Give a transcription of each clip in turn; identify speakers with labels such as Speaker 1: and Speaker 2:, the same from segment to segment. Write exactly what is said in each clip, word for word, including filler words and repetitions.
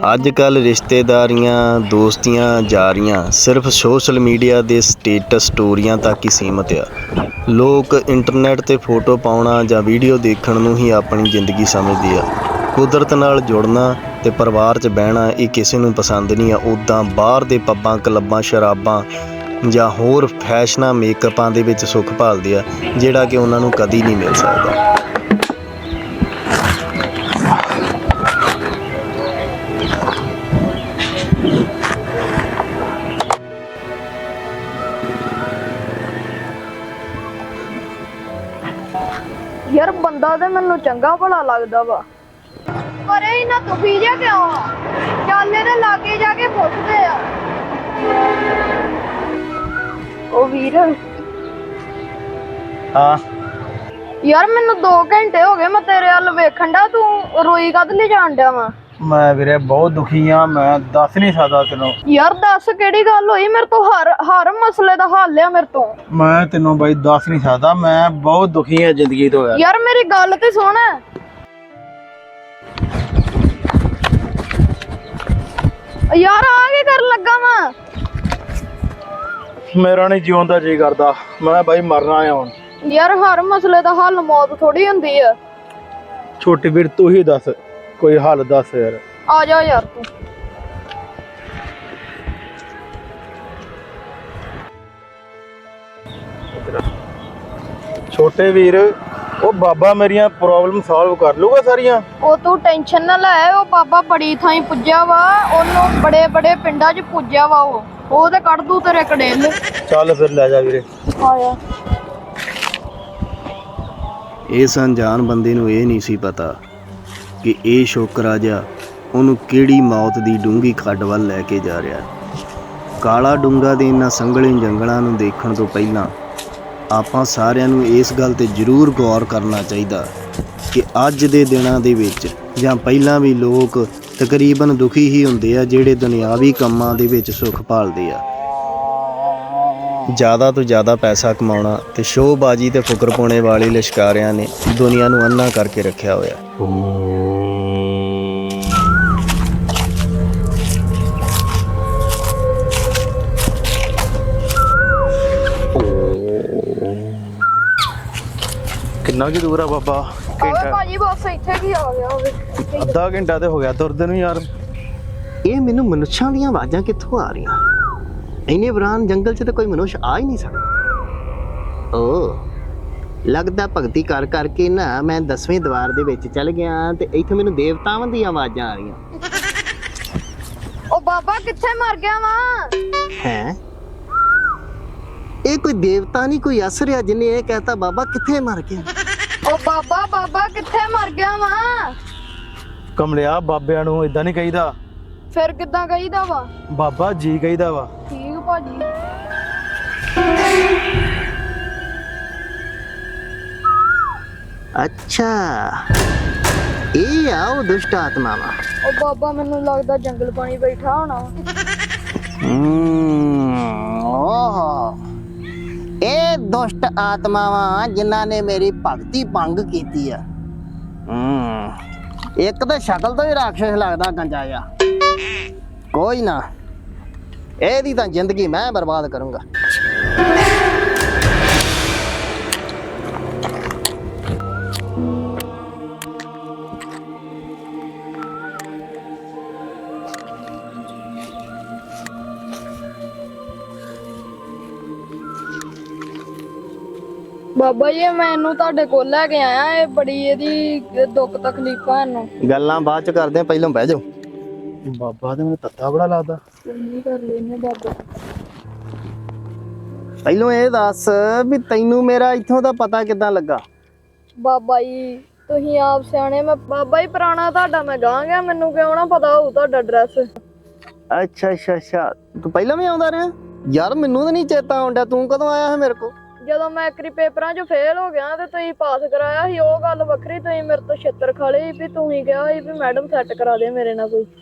Speaker 1: ਅੱਜ-ਕੱਲ੍ਹ ਰਿਸ਼ਤੇਦਾਰੀਆਂ, ਦੋਸਤੀਆਂ, ਯਾਰੀਆਂ ਸਿਰਫ ਸੋਸ਼ਲ ਮੀਡੀਆ ਦੇ ਸਟੇਟਸ ਸਟੋਰੀਆਂ ਤੱਕ ਹੀ ਸੀਮਿਤ ਆ। ਲੋਕ ਇੰਟਰਨੈਟ 'ਤੇ ਫੋਟੋ ਪਾਉਣਾ ਜਾਂ ਵੀਡੀਓ ਦੇਖਣ ਨੂੰ ਹੀ ਆਪਣੀ ਜ਼ਿੰਦਗੀ ਸਮਝਦੇ ਆ। ਕੁਦਰਤ ਨਾਲ ਜੁੜਨਾ ਅਤੇ ਪਰਿਵਾਰ 'ਚ ਬਹਿਣਾ ਇਹ ਕਿਸੇ ਨੂੰ ਪਸੰਦ ਨਹੀਂ ਆ। ਉੱਦਾਂ ਬਾਹਰ ਦੇ ਪੱਬਾਂ, ਕਲੱਬਾਂ, ਸ਼ਰਾਬਾਂ ਜਾਂ ਹੋਰ ਫੈਸ਼ਨਾਂ, ਮੇਕਅਪਾਂ ਦੇ ਵਿੱਚ ਸੁੱਖ ਭਾਲਦੇ ਆ, ਜਿਹੜਾ ਕਿ ਉਹਨਾਂ ਨੂੰ ਕਦੀ ਨਹੀਂ ਮਿਲ ਸਕਦਾ।
Speaker 2: ਯਾਰ ਬੰਦਾ ਤੇ ਮੈਨੂੰ ਚੰਗਾ ਭਲਾ ਲੱਗਦਾ ਵਾ, ਪਰ ਇਹ ਇੰਨਾ ਦੁਖੀ ਜਿਹਾ ਕਿਉਂ ਆ? ਚੱਲ ਇਹਦੇ ਲਾਗੇ ਜਾ ਕੇ ਪੁੱਛਦੇ ਆ। ਉਹ ਵੀਰ,
Speaker 3: ਹਾਂ
Speaker 2: ਯਾਰ ਮੈਨੂੰ ਦੋ ਘੰਟੇ ਹੋ ਗਏ ਮੈਂ ਤੇਰੇ ਵੱਲ ਵੇਖਣ ਡਿਆ, ਤੂੰ ਰੋਈ ਕਦ ਲਈ ਜਾਣ ਡਿਆ ਵਾ?
Speaker 3: ਮੈਂ ਵੀਰੇ ਬਹੁਤ ਦੁਖੀ ਆ, ਮੈਂ ਦੱਸ ਨਹੀਂ ਸਕਦਾ ਤੈਨੂੰ।
Speaker 2: ਯਾਰ ਦੱਸ ਕਿਹੜੀ ਗੱਲ ਹੋਈ? ਮੇਰੇ ਤੋਂ ਹਰ ਹਰ ਮਸਲੇ ਦਾ ਹੱਲ ਆ ਮੇਰੇ ਤੋਂ।
Speaker 3: ਮੈਂ ਤੈਨੂੰ ਬਾਈ ਦੱਸ ਨਹੀਂ ਸਕਦਾ, ਮੈਂ ਬਹੁਤ ਦੁਖੀ ਆ ਜ਼ਿੰਦਗੀ ਤੋਂ ਯਾਰ।
Speaker 2: ਯਾਰ ਮੇਰੀ ਗੱਲ ਤੇ ਸੁਣ। ਯਾਰ ਆ ਕੀ ਕਰਨ ਲੱਗਾ ਵਾ?
Speaker 3: ਮੇਰਾ ਨਹੀਂ ਜਿਉਣ ਦਾ ਜੀ ਕਰਦਾ, ਮੈਂ ਬਾਈ ਮਰਨਾ ਆ ਹੁਣ।
Speaker 2: ਯਾਰ ਹਰ ਮਸਲੇ ਦਾ ਹੱਲ ਮੌਤ ਥੋੜੀ ਹੁੰਦੀ ਆ।
Speaker 3: ਛੋਟੇ ਵੀਰ ਤੂੰ ਹੀ ਦੱਸ, ਕੋਈ ਹੱਲ ਦੱਸ ਯਾਰ।
Speaker 2: ਆ ਜਾ ਯਾਰ ਤੂੰ।
Speaker 3: ਛੋਟੇ ਵੀਰ, ਉਹ ਬਾਬਾ ਮੇਰੀਆਂ ਪ੍ਰੋਬਲਮ ਸੋਲਵ ਕਰ ਲੂਗਾ ਸਾਰੀਆਂ।
Speaker 2: ਉਹ ਤੂੰ ਟੈਨਸ਼ਨ ਨਾ ਲੈ, ਉਹ ਬਾਬਾ ਬੜੀ ਥਾਈਂ ਪੁੱਜਿਆ ਵਾ, ਉਹਨੂੰ ਬੜੇ ਬੜੇ ਪਿੰਡਾਂ 'ਚ ਪੁੱਜਿਆ ਵਾ। ਉਹ ਉਹ ਤੇ ਕੱਢ ਦੂ ਤੇਰੇ ਕੜੇਲ।
Speaker 3: ਚੱਲ ਫਿਰ ਲੈ ਜਾ ਵੀਰੇ।
Speaker 2: ਆਇਆ।
Speaker 1: ਇਸ ਅਣਜਾਣ ਬੰਦੇ ਨੂੰ ਇਹ ਨਹੀਂ ਸੀ ਪਤਾ ਕਿ ਇਹ ਸ਼ੋਕਰਾਜਾ ਉਹਨੂੰ ਕਿਹੜੀ ਮੌਤ ਦੀ ਡੂੰਘੀ ਖੱਡ ਵੱਲ ਲੈ ਕੇ ਜਾ ਰਿਹਾ। ਕਾਲਾ ਡੂੰਘਾ ਦੇ ਇਹਨਾਂ ਸੰਘਣੇ ਜੰਗਲਾਂ ਨੂੰ ਦੇਖਣ ਤੋਂ ਪਹਿਲਾਂ ਆਪਾਂ ਸਾਰਿਆਂ ਨੂੰ ਇਸ ਗੱਲ 'ਤੇ ਜ਼ਰੂਰ ਗੌਰ ਕਰਨਾ ਚਾਹੀਦਾ ਕਿ ਅੱਜ ਦੇ ਦਿਨਾਂ ਦੇ ਵਿੱਚ ਜਾਂ ਪਹਿਲਾਂ ਵੀ ਲੋਕ ਤਕਰੀਬਨ ਦੁਖੀ ਹੀ ਹੁੰਦੇ ਆ, ਜਿਹੜੇ ਦੁਨਿਆਵੀ ਕੰਮਾਂ ਦੇ ਵਿੱਚ ਸੁੱਖ ਭਾਲਦੇ ਆ। ਜ਼ਿਆਦਾ ਤੋਂ ਜ਼ਿਆਦਾ ਪੈਸਾ ਕਮਾਉਣਾ ਤੇ ਸ਼ੋਅਬਾਜ਼ੀ ਤੇ ਫੁਕਰਪੁਣੇ ਵਾਲੇ ਲਿਸ਼ਕਾਰਿਆਂ ਨੇ ਦੁਨੀਆ ਨੂੰ ਅੰਨਾ ਕਰਕੇ ਰੱਖਿਆ ਹੋਇਆ।
Speaker 3: ਕਿੰਨਾ ਕੀ ਦੂਰ ਆ ਬਾਬਾ?
Speaker 2: ਓਏ ਭਾਜੀ ਬਸ ਇੱਥੇ ਕੀ ਆ ਗਿਆ ਹੋਵੇ।
Speaker 3: ਅੱਧਾ ਘੰਟਾ ਤੇ ਹੋ ਗਿਆ ਤੁਰਦੇ ਨੂੰ ਯਾਰ।
Speaker 1: ਇਹ ਮੈਨੂੰ ਮਨੁੱਖਾਂ ਦੀਆਂ ਆਵਾਜ਼ਾਂ ਕਿੱਥੋਂ ਆ ਰਹੀਆਂ? ਇੰਨੇ ਵਿਰਾਨ ਜੰਗਲ 'ਚ ਤਾਂ ਕੋਈ ਮਨੁੱਖ ਆ ਹੀ ਨਹੀਂ ਸਕਦਾ। ਓ ਲੱਗਦਾ ਭਗਤੀ ਕਰ ਕਰਕੇ ਨਾ ਮੈਂ ਦਸਵੇਂ ਦਵਾਰ ਦੇ ਵਿੱਚ ਚੱਲ ਗਿਆ ਤੇ ਇੱਥੇ ਮੈਨੂੰ ਦੇਵਤਾਵਾਂ ਦੀਆਂ ਆਵਾਜ਼ਾਂ ਆ ਰਹੀਆਂ।
Speaker 2: ਉਹ ਬਾਬਾ ਕਿੱਥੇ ਮਰ ਗਿਆ ਵਾ?
Speaker 1: ਹੈ ਇਹ ਕੋਈ ਦੇਵਤਾ ਨਹੀਂ, ਕੋਈ ਅਸਰ ਆ ਜਿਹਨੇ ਇਹ ਕਹਿਤਾ ਬਾਬਾ ਕਿੱਥੇ ਮਰ ਗਿਆ।
Speaker 2: ਉਹ ਬਾਬਾ ਬਾਬਾ ਕਿੱਥੇ ਮਰ ਗਿਆ ਵਾ?
Speaker 3: ਕਮਲਿਆ, ਬਾਬਿਆਂ ਨੂੰ ਇਦਾਂ ਨਹੀਂ ਕਹੀਦਾ।
Speaker 2: ਫਿਰ ਕਿੱਦਾਂ ਕਹੀਦਾ ਵਾ?
Speaker 3: ਬਾਬਾ ਜੀ ਕਹੀਦਾ ਵਾ।
Speaker 2: ਠੀਕ ਭਾਜੀ।
Speaker 1: ਅੱਛਾ, ਇਹ ਆ ਉਹ ਦੁਸ਼ਟ ਆਤਮਾਵਾਂ।
Speaker 2: ਉਹ ਬਾਬਾ ਮੈਨੂੰ ਲੱਗਦਾ ਜੰਗਲ ਪਾਣੀ ਬੈਠਾ ਹੋਣਾ।
Speaker 1: ਹਮ ਓਹ ਇਹ ਦੁਸ਼ਟ ਆਤਮਾਵਾਂ ਜਿਨ੍ਹਾਂ ਨੇ ਮੇਰੀ ਭਗਤੀ ਭੰਗ ਕੀਤੀ ਆ। ਹਮ ਇੱਕ ਤਾਂ ਸ਼ਕਲ ਤੋਂ ਹੀ ਰਾਖਸ਼ ਲੱਗਦਾ ਗੰਜਾ ਜਿਹਾ। ਕੋਈ ਨਾ, ਇਹਦੀ ਤਾਂ ਜ਼ਿੰਦਗੀ ਮੈਂ ਬਰਬਾਦ ਕਰੂੰਗਾ।
Speaker 2: ਬਾਬਾ ਜੀ ਮੈਨੂੰ ਤੁਹਾਡੇ ਕੋਲ ਲੈ ਕੇ ਆਇਆ, ਇਹ ਬੜੀ ਇਹਦੀ ਦੁੱਖ ਤਕਲੀਫਾਂ ਇਹਨੂੰ।
Speaker 1: ਗੱਲਾਂ ਬਾਅਦ ਚ ਕਰਦੇ ਆ, ਪਹਿਲਾਂ ਬਹਿ ਜਾਓ।
Speaker 3: ਬਾਬਾ ਤੇ ਮੈਨੂੰ ਤੱਤਾ ਬੜਾ ਲੱਗਦਾ।
Speaker 2: ਕੀ ਕਰ ਲੈਨੇ ਬਾਬਾ?
Speaker 1: ਪਹਿਲਾਂ ਇਹ ਦੱਸ ਵੀ ਤੈਨੂੰ ਮੇਰਾ ਇੱਥੋਂ ਦਾ ਪਤਾ ਕਿੱਦਾਂ ਲੱਗਾ?
Speaker 2: ਬਾਬਾ ਜੀ ਤੁਸੀਂ ਆਪ ਸਿਆਣੇ, ਮੈਂ ਬਾਬਾ ਜੀ ਪੁਰਾਣਾ ਤੁਹਾਡਾ ਮੈਂ ਗਾਂ ਗਿਆ, ਮੈਨੂੰ ਕਿਉਂ ਨਾ ਪਤਾ ਹੋਊ ਤੁਹਾਡਾ ਐਡਰੈਸ।
Speaker 1: ਅੱਛਾ ਅੱਛਾ ਅੱਛਾ, ਤੂੰ ਪਹਿਲਾਂ ਵੀ ਆਉਂਦਾ ਰਿਹਾ? ਯਾਰ ਮੈਨੂੰ ਤਾਂ ਨਹੀਂ ਚੇਤਾ ਆਉਂਦਾ, ਤੂੰ ਕਦੋਂ ਆਇਆ ਹੈ ਮੇਰੇ ਕੋਲ?
Speaker 2: ਜਦੋਂ ਮੈਂ ਇੱਕ ਪੇਪਰਾਂ 'ਚ ਫੇਲ ਹੋ ਗਿਆ ਤੇ ਤੁਸੀਂ ਪਾਸ ਕਰਾਇਆ ਸੀ, ਉਹ ਗੱਲ ਵੱਖਰੀ। ਤੁਸੀਂ ਮੇਰੇ ਤੋਂ ਛਿੱਤਰ ਖਾ ਲਈ ਵੀ ਤੁਸੀਂ ਕਿਹਾ ਸੀ ਵੀ ਮੈਡਮ ਸੈੱਟ ਕਰਾ ਦੇ ਮੇਰੇ ਨਾਲ ਕੋਈ।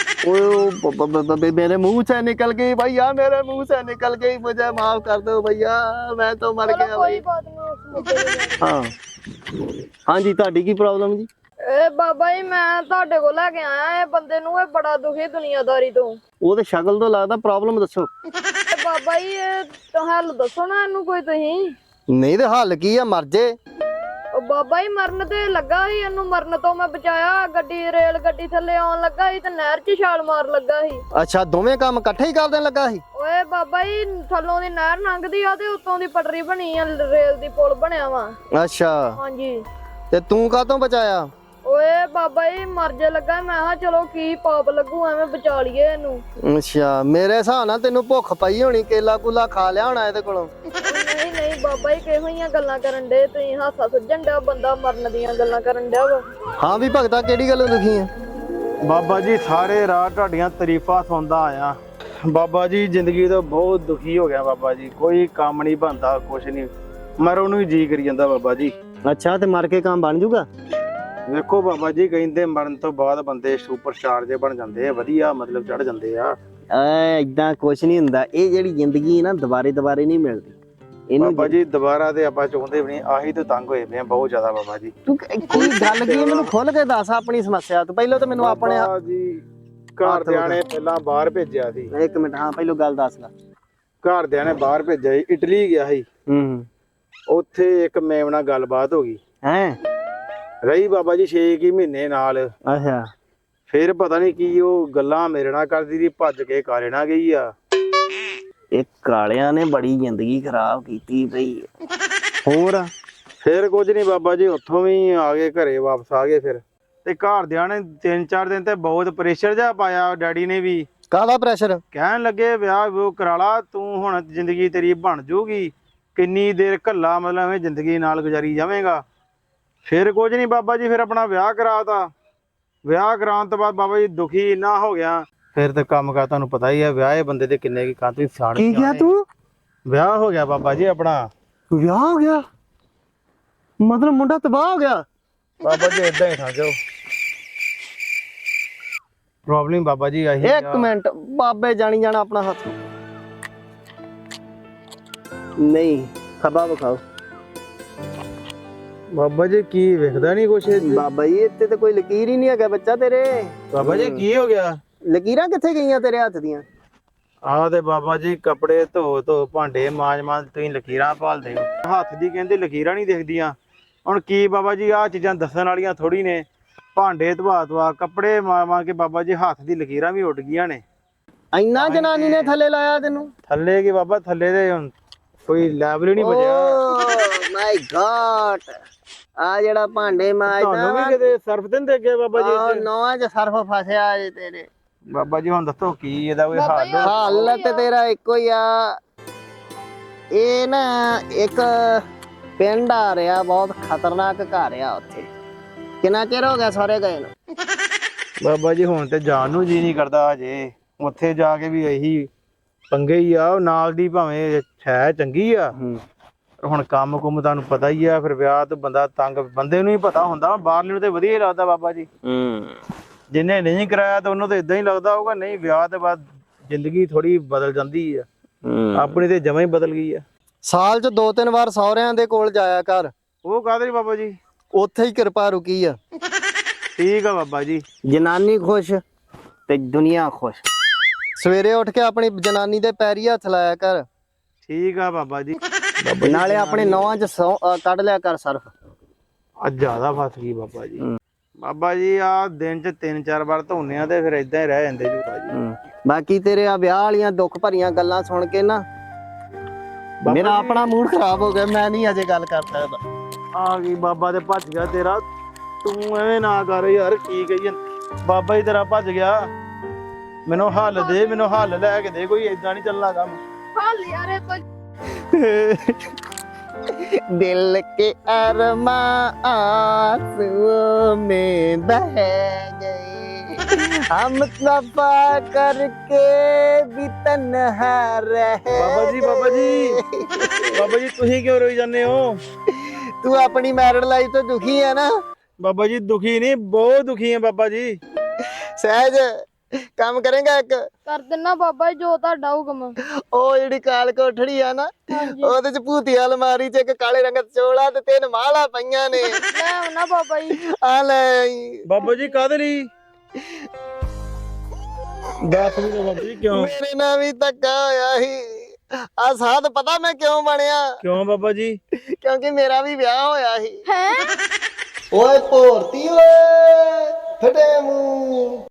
Speaker 1: ਓਏ मेरे मुंह से निकल गई भैया, मेरे मुंह से निकल गई, मुझे माफ कर दो भैया, मैं तो मर गया।
Speaker 2: ਕੋਈ ਬਾਤ ਨਹੀਂ।
Speaker 1: हाँ हाँ जी, ਤੁਹਾਡੀ ਕੀ ਪ੍ਰੋਬਲਮ ਜੀ?
Speaker 2: ਓਏ ਬਾਬਾ ਜੀ ਮੈਂ ਤੁਹਾਡੇ ਕੋਲ ਲੈ ਕੇ ਆਇਆ ਇਹ ਬੰਦੇ ਨੂੰ, ਇਹ ਬੜਾ ਦੁਖੀ ਦੁਨੀਆਦਾਰੀ ਤੋਂ।
Speaker 4: ਉਹ ਤੇ ਸ਼ਕਲ ਤੋਂ ਲੱਗਦਾ, ਪ੍ਰੋਬਲਮ ਦੱਸੋ।
Speaker 2: ਤੇ ਬਾਬਾ ਜੀ ਇਹ ਤਾਂ ਹੱਲ ਦੱਸੋ ਨਾ ਇਹਨੂੰ ਕੋਈ ਤੁਸੀਂ।
Speaker 4: ਨਹੀਂ ਤੇ ਹੱਲ ਕੀ ਆ, ਮਰ ਜੇ।
Speaker 2: ਉਹ ਬਾਬਾ ਜੀ ਮਰਨ ਤੇ ਲੱਗਾ ਸੀ, ਇਹਨੂੰ ਮਰਨ ਤੋਂ ਮੈਂ ਬਚਾਇਆ। ਗੱਡੀ ਰੇਲ ਗੱਡੀ ਥੱਲੇ ਆਉਣ ਲੱਗਾ ਸੀ ਤੇ ਨਹਿਰ 'ਚ ਛਾਲ ਮਾਰ ਲੱਗਾ ਸੀ।
Speaker 4: ਅੱਛਾ, ਦੋਵੇਂ ਕੰਮ ਇਕੱਠੇ ਹੀ ਕਰਨ ਲੱਗਾ ਸੀ।
Speaker 2: ਓਏ ਬਾਬਾ ਜੀ ਥੱਲੋਂ ਦੀ ਨਹਿਰ ਲੰਘਦੀ ਆ ਤੇ ਉੱਤੋਂ ਦੀ ਪਟੜੀ ਬਣੀ ਆ, ਰੇਲ ਦੀ ਪੁਲ ਬਣਿਆ ਵਾ।
Speaker 4: ਅੱਛਾ,
Speaker 2: ਹਾਂਜੀ।
Speaker 4: ਤੇ ਤੂੰ ਕਾਹਤੋਂ ਬਚਾਇਆ?
Speaker 2: ਓਏ ਬਾਬਾ ਜੀ ਮਰ ਜੇ ਲੱਗਾ, ਮੈਂ ਕਿਹਾ ਚਲੋ ਕੀ ਪਾਪ ਲੱਗੂ, ਐਵੇਂ ਬਚਾ ਲਈਏ ਇਹਨੂੰ।
Speaker 4: ਅੱਛਾ, ਮੇਰੇ ਹਿਸਾਬ ਨਾਲ ਤੈਨੂੰ ਭੁੱਖ ਪਈ ਹੋਣੀ, ਕੇਲਾ ਕੂਲਾ ਖਾ ਲਿਆ ਹੋਣਾ ਇਹਦੇ ਕੋਲੋਂ।
Speaker 2: ਨਹੀਂ ਨਹੀਂ ਬਾਬਾ ਜੀ ਕਿਹੋ ਜਿਹੀਆਂ ਗੱਲਾਂ ਕਰਨ ਡੇ ਤੁਸੀਂ, ਹਾਸਾ ਸੁਝਣ ਡਿਆ, ਬੰਦਾ ਮਰਨ ਦੀਆਂ ਗੱਲਾਂ ਕਰਨ ਡਿਆ ਵਾ।
Speaker 4: ਹਾਂ ਵੀ ਭਗਤਾ, ਕਿਹੜੀ ਗੱਲੋਂ ਦੁਖੀ ਆ?
Speaker 3: ਬਾਬਾ ਜੀ ਸਾਰੇ ਰਾਤ ਤੁਹਾਡੀਆਂ ਤਾਰੀਫਾਂ ਸੁਣਦਾ ਆਇਆ। ਬਾਬਾ ਜੀ ਜ਼ਿੰਦਗੀ ਤੋਂ ਬਹੁਤ ਦੁਖੀ ਹੋ ਗਿਆ ਬਾਬਾ ਜੀ, ਕੋਈ ਕੰਮ ਨਹੀਂ ਬਣਦਾ, ਕੁਛ ਨਹੀਂ, ਮਰੋਂ ਨੂੰ ਹੀ ਜੀ ਕਰੀ ਜਾਂਦਾ ਬਾਬਾ ਜੀ।
Speaker 4: ਅੱਛਾ, ਤੇ ਮਰ ਕੇ ਕੰਮ ਬਣ ਜੂਗਾ?
Speaker 3: ਵੇਖੋ ਬਾਬਾ ਜੀ ਕਹਿੰਦੇ ਮਰਨ ਤੋਂ ਬਾਅਦ ਬੰਦੇ ਸੁਪਰਸਟਾਰ ਜੇ ਬਣ ਜਾਂਦੇ ਆ, ਵਧੀਆ ਮਤਲਬ ਚੜ ਜਾਂਦੇ ਆ।
Speaker 4: ਐ ਇਦਾਂ ਕੁਛ ਨਹੀਂ ਹੁੰਦਾ, ਇਹ ਜਿਹੜੀ ਜ਼ਿੰਦਗੀ ਨਾ ਦੁਬਾਰੇ ਦੁਬਾਰੇ ਨਹੀਂ ਮਿਲਦੀ ਇਹਨੂੰ।
Speaker 3: ਬਾਬਾ ਜੀ ਦੁਬਾਰਾ ਤੇ ਆਪਾਂ ਚਾਹੁੰਦੇ ਵੀ ਨਹੀਂ, ਆਹੀ ਤੋਂ ਤੰਗ ਹੋਏ ਪਏ ਆ ਬਹੁਤ ਜ਼ਿਆਦਾ ਬਾਬਾ ਜੀ।
Speaker 4: ਤੂੰ ਕੀ ਗੱਲ ਕੀ, ਮੈਨੂੰ ਖੁੱਲ ਕੇ ਦੱਸ ਆਪਣੀ ਸਮੱਸਿਆ। ਤੂੰ ਪਹਿਲਾਂ ਤਾਂ ਮੈਨੂੰ ਆਪਣੇ
Speaker 3: ਬਾਬਾ ਜੀ ਘਰਦਿਆਂ ਨੇ ਪਹਿਲਾਂ ਬਾਹਰ ਭੇਜਿਆ ਸੀ।
Speaker 4: ਇੱਕ ਮਿੰਟ, ਹਾਂ ਪਹਿਲਾਂ ਗੱਲ ਦੱਸ ਲੈ।
Speaker 3: ਘਰਦਿਆਂ ਨੇ ਬਾਹਰ ਭੇਜਿਆ ਸੀ, ਇਟਲੀ ਗਿਆ ਸੀ।
Speaker 4: ਹੂੰ।
Speaker 3: ਉੱਥੇ ਇੱਕ ਮੇਮ ਨਾਲ ਗੱਲਬਾਤ ਹੋ ਗਈ,
Speaker 4: ਹੈ
Speaker 3: ਰਹੀ ਬਾਬਾ ਜੀ ਛੇ ਕੀ ਮਹੀਨੇ ਨਾਲ।
Speaker 4: ਅੱਛਾ,
Speaker 3: ਫਿਰ ਪਤਾ ਨਹੀਂ ਕੀ ਉਹ ਗੱਲਾਂ ਮੇਰੇ ਨਾਲ ਕਰਦੀ ਸੀ, ਭੱਜ ਕੇ ਕਾਲੇ ਨਾਲ ਗਈ ਆ।
Speaker 4: ਇਹ ਕਾਲਿਆਂ ਨੇ ਬੜੀ ਜ਼ਿੰਦਗੀ ਖਰਾਬ ਕੀਤੀ ਪਈ। ਹੋਰ
Speaker 3: ਫਿਰ ਕੁਝ ਨਹੀਂ ਬਾਬਾ ਜੀ, ਉੱਥੋਂ ਵੀ ਆ ਗਏ, ਘਰੇ ਵਾਪਸ ਆ ਗਏ। ਫਿਰ ਤੇ ਘਰਦਿਆਂ ਨੇ ਤਿੰਨ ਚਾਰ ਦਿਨ ਤੇ ਬਹੁਤ ਪ੍ਰੈਸ਼ਰ ਜਿਹਾ ਪਾਇਆ, ਡੈਡੀ ਨੇ ਵੀ।
Speaker 4: ਕਾਹਦਾ ਪ੍ਰੈਸ਼ਰ?
Speaker 3: ਕਹਿਣ ਲੱਗੇ ਵਿਆਹ ਵਿਊਹ ਕਰਾ ਲਾ ਤੂੰ, ਹੁਣ ਜ਼ਿੰਦਗੀ ਤੇਰੀ ਬਣ ਜੂਗੀ, ਕਿੰਨੀ ਦੇਰ ਘੱਲਾ ਮਤਲਬ ਐਵੇਂ ਜ਼ਿੰਦਗੀ ਨਾਲ ਗੁਜ਼ਾਰੀ ਜਾਵੇਂਗਾ। ਫਿਰ ਕੁਝ ਨਹੀਂ ਬਾਬਾ ਜੀ, ਫਿਰ ਆਪਣਾ ਵਿਆਹ ਕਰਾਤਾ। ਵਿਆਹ ਕਰਾਉਣ ਤੋਂ ਬਾਅਦ ਬਾਬਾ ਜੀ ਦੁਖੀ ਇੰਨਾ ਹੋ ਗਿਆ। ਫਿਰ ਤੇ ਕੰਮ ਕਾ ਤੁਹਾਨੂੰ ਪਤਾ ਹੀ ਆ, ਵਿਆਹੇ ਬੰਦੇ ਦੇ ਕਿੰਨੇ ਕੀ ਕਾਂ ਤੁਸੀਂ ਸਿਆਣੇ।
Speaker 4: ਕੀ ਕਿਹਾ ਤੂੰ?
Speaker 3: ਵਿਆਹ ਹੋ ਗਿਆ ਬਾਬਾ ਜੀ ਆਪਣਾ।
Speaker 4: ਵਿਆਹ ਹੋ ਗਿਆ ਮਤਲਬ ਮੁੰਡਾ ਤਬਾਹ ਹੋ ਗਿਆ?
Speaker 3: ਬਾਬਾ ਜੀ ਏਦਾਂ ਹੀ ਸਮਝੋ, ਪ੍ਰੋਬਲਮ ਬਾਬਾ ਜੀ ਆਹੀ।
Speaker 4: ਇੱਕ ਮਿੰਟ, ਬਾਬੇ ਜਾਣੀ ਜਾਣਾ ਆਪਣਾ ਹੱਥ ਨਹੀਂ ਖਬਾ ਵਿਖਾਓ।
Speaker 3: ਬਾਬਾ ਜੀ ਕੀ ਵੇਖਦਾ ਨਹੀਂ ਕੁਛ?
Speaker 4: ਬਾਬਾ ਜੀ ਇੱਥੇ ਤੇ ਕੋਈ ਲਕੀਰ ਹੀ ਨਹੀਂ ਹੈਗਾ ਬੱਚਾ ਤੇਰੇ।
Speaker 3: ਬਾਬਾ ਜੀ ਕੀ ਹੋ ਗਿਆ?
Speaker 4: ਲਕੀਰਾਂ ਕਿੱਥੇ ਗਈਆਂ ਤੇਰੇ ਹੱਥ ਦੀਆਂ?
Speaker 3: ਆਹ ਤੇ ਬਾਬਾ ਜੀ ਕੱਪੜੇ ਧੋ ਧੋ ਭਾਂਡੇ ਮਾਂਜ ਮਾਂਜ ਤੁਸੀਂ ਲਕੀਰਾਂ ਭਾਲਦੇ ਹੋ, ਹੱਥ ਦੀ ਕਹਿੰਦੇ ਲਕੀਰਾਂ ਨਹੀਂ ਦਿਖਦੀਆਂ। ਹੁਣ ਕੀ ਬਾਬਾ ਜੀ ਆਹ ਚੀਜ਼ਾਂ ਦੱਸਣ ਵਾਲੀਆਂ ਥੋੜੀ ਨੇ, ਭਾਂਡੇ ਧਵਾ ਧਵਾ ਕੱਪੜੇ ਮਾਂ ਮਾਂ ਕੇ ਬਾਬਾ ਜੀ ਹੱਥ ਦੀ ਲਕੀਰਾਂ ਵੀ ਉੱਡ ਗਈਆਂ ਨੇ।
Speaker 4: ਇੰਨਾ ਜਨਾਨੀ ਨੇ ਥੱਲੇ ਲਾਇਆ ਤੈਨੂੰ?
Speaker 3: ਥੱਲੇ ਕੀ ਬਾਬਾ, ਥੱਲੇ ਦੇ ਹੁਣ ਕੋਈ ਲੈਵਲ ਹੀ ਨਹੀਂ ਬਚਿਆ।
Speaker 4: ਓ ਮਾਈ ਗॉड, ਆ ਜਿਹੜਾ ਭਾਂਡੇ ਮਾਂਜਦਾ
Speaker 3: ਤੁਹਾਨੂੰ ਵੀ ਕਿਤੇ ਸਰਫ ਦਿਨ ਦੇ ਗਏ ਬਾਬਾ ਜੀ
Speaker 4: ਆ
Speaker 3: ਇੱਥੇ?
Speaker 4: ਨੌਵਾਂ ਚ ਸਰਫ ਫਸਿਆ ਜੇ ਤੇਰੇ।
Speaker 3: ਬਾਬਾ ਜੀ ਹੁਣ ਦੱਸੋ ਕੀ ਇਹਦਾ ਕੋਈ
Speaker 2: ਬਾਬਾ ਜੀ,
Speaker 3: ਹੱਲ?
Speaker 4: ਹਾਲ ਤੇ ਤੇਰਾ ਇੱਕੋ ਹੀ ਆ। ਇਹ ਨਾ ਇੱਕ ਪਿੰਡ ਆ ਰਿਹਾ, ਬਹੁਤ ਖਤਰਨਾਕ ਘਰ ਆ ਉੱਥੇ। ਕਿੰਨਾ ਚਿਰ ਹੋ ਗਿਆ ਸਾਰੇ ਗਏ ਨੂੰ?
Speaker 3: ਬਾਬਾ ਜੀ ਹੁਣ ਤੇ ਜਾਣ ਨੂੰ ਜੀ ਨਹੀਂ ਕਰਦਾ ਹਜੇ, ਉੱਥੇ ਜਾ ਕੇ ਵੀ ਇਹੀ ਪੰਗੇ ਹੀ ਆ। ਉਹ ਨਾਲ ਦੀ ਭਾਵੇਂ ਹੈ ਚੰਗੀ ਆ, ਹੁਣ ਕੰਮ ਕੁਮ ਤੁਹਾਨੂੰ ਪਤਾ ਹੀ ਆ। ਫਿਰ ਵਿਆਹ ਤੋਂ ਬੰਦਾ ਤੰਗ, ਬੰਦੇ ਨੂੰ ਹੀ ਪਤਾ ਹੁੰਦਾ, ਬਾਹਰਲੇ ਨੂੰ ਤੇ ਵਧੀਆ ਹੀ ਲੱਗਦਾ ਬਾਬਾ ਜੀ।
Speaker 4: ਹੂੰ,
Speaker 3: ਜਿਹਨੇ ਨਹੀਂ ਕਰਾਇਆ ਤਾਂ ਉਹਨੂੰ ਤਾਂ ਇਦਾਂ ਹੀ ਲੱਗਦਾ ਹੋਊਗਾ। ਨਹੀਂ, ਵਿਆਹ ਤੋਂ ਬਾਅਦ ਜ਼ਿੰਦਗੀ ਥੋੜੀ ਬਦਲ ਜਾਂਦੀ ਆ, ਆਪਣੀ ਤੇ ਜਮਾਂ ਹੀ ਬਦਲ ਗਈ ਆ।
Speaker 4: ਸਾਲ ਚ ਦੋ ਤਿੰਨ ਵਾਰ ਸਹੁਰਿਆਂ ਦੇ ਕੋਲ ਜਾਇਆ ਕਰ,
Speaker 3: ਉਹ ਕਾਹਦੇ ਲਈ ਬਾਬਾ ਜੀ?
Speaker 4: ਉੱਥੇ ਹੀ ਕਿਰਪਾ ਰੁਕੀ ਆ।
Speaker 3: ਠੀਕ ਆ ਬਾਬਾ ਜੀ।
Speaker 4: ਜਨਾਨੀ ਖੁਸ਼ ਤੇ ਦੁਨੀਆ ਖੁਸ਼। ਸਵੇਰੇ ਉੱਠ ਕੇ ਆਪਣੀ ਜਨਾਨੀ ਦੇ ਪੈਰੀ ਹੱਥ ਲਾਇਆ ਕਰ।
Speaker 3: ਠੀਕ ਆ ਬਾਬਾ ਜੀ।
Speaker 4: ਨਾਲੇ ਆਪਣੇ ਨੌਵਾਂ ਚ ਸੌ- ਅਹ ਕੱਢ ਲਿਆ ਕਰ ਸਰਫ।
Speaker 3: ਅੱਜ ਜ਼ਿਆਦਾ ਫਸ ਗਈ ਬਾਬਾ ਜੀ। ਬਾਬਾ ਜੀ ਆ ਦਿਨ ਚ ਤਿੰਨ ਚਾਰ ਵਾਰ ਧੋਨੇ ਆ ਤੇ ਫਿਰ ਇਦਾਂ ਹੀ ਰਹਿ ਜਾਂਦੇ ਜੀ ਬਾਬਾ ਜੀ।
Speaker 4: ਬਾਕੀ ਤੇਰੇ ਆ ਵਿਆਹ ਵਾਲੀਆਂ ਦੁੱਖ ਭਰੀਆਂ ਗੱਲਾਂ ਸੁਣ ਕੇ ਨਾ ਮੇਰਾ ਆਪਣਾ ਮੂਡ ਖਰਾਬ ਹੋ ਗਿਆ। ਮੈਂ ਨਹੀਂ ਅਜੇ ਗੱਲ ਕਰ ਸਕਦਾ।
Speaker 3: ਆ ਗਈ ਬਾਬਾ ਤੇ ਭੱਜ ਗਿਆ ਤੇਰਾ। ਤੂੰ ਐਵੇਂ ਨਾ ਕਰ ਯਾਰ, ਕੀ ਕਹੀਏ, ਬਾਬਾ ਜੀ ਤੇਰਾ ਭੱਜ ਗਿਆ। ਮੈਨੂੰ ਹੱਲ ਦੇ, ਮੈਨੂੰ ਹੱਲ ਲੈ ਕੇ ਦੇ ਕੋਈ, ਏਦਾਂ ਨਹੀਂ ਚੱਲਣਾ ਕੰਮ।
Speaker 2: ਹੱਲ ਯਾਰ ਇਹ ਤਾਂ
Speaker 4: दिल के अरमा आंसुओं में बह गए, हम तफा करके भी तन्हा रह
Speaker 3: ਬਾਬਾ ਜੀ ਬਾਬਾ ਜੀ ਬਾਬਾ ਜੀ ਤੁਸੀਂ ਕਿਉਂ ਰੋਈ ਜਾਂਦੇ ਹੋ?
Speaker 4: तू अपनी मैरिड लाइफ तो दुखी है ना?
Speaker 3: ਬਾਬਾ ਜੀ ਦੁਖੀ ਨਹੀਂ, ਬਹੁਤ ਦੁਖੀ ਹੈ ਬਾਬਾ ਜੀ।
Speaker 4: सहज ਕੰਮ ਕਰੇਗਾ ਇੱਕ?
Speaker 2: ਕਰ ਦਿੰਨਾ ਬਾਬਾ ਜੀ ਜੋ ਤੁਹਾਡਾ ਹੁਕਮ।
Speaker 4: ਉਹ ਜਿਹੜੀ ਕਾਲ ਕੋਠੜੀ ਆ ਨਾ,
Speaker 2: ਹਾਂਜੀ
Speaker 4: ਉਹਦੇ ਚ ਭੂਤੀ ਅਲਮਾਰੀ ਚ ਇੱਕ ਕਾਲੇ ਰੰਗ ਦਾ ਚੋਲਾ ਤੇ ਤਿੰਨ ਮਾਲਾ ਪਈਆਂ ਨੇ।
Speaker 2: ਲੈ ਆਉਣਾ ਬਾਬਾ ਜੀ।
Speaker 4: ਆ ਲੈ ਆਈ।
Speaker 3: ਬਾਬਾ ਜੀ ਕਾਹਦੇ ਲਈ? ਦੱਸ ਵੀ ਦਿਓ ਬਾਬਾ ਜੀ ਕਿਉਂ?
Speaker 4: ਮੇਰੇ ਨਾਲ ਵੀ ਧੱਕਾ ਹੋਇਆ ਸੀ। ਆ ਸਾਧ ਪਤਾ ਮੈਂ ਕਿਉਂ ਬਣਿਆ?
Speaker 3: ਕਿਉਂ ਬਾਬਾ ਜੀ?
Speaker 4: ਕਿਉਂਕਿ ਮੇਰਾ ਵੀ ਵਿਆਹ ਹੋਇਆ ਸੀ।
Speaker 2: ਹੈ
Speaker 4: ਓਏ ਭੋਰਤੀ ਓਏ ਫਟੇ ਮੂੰਹ।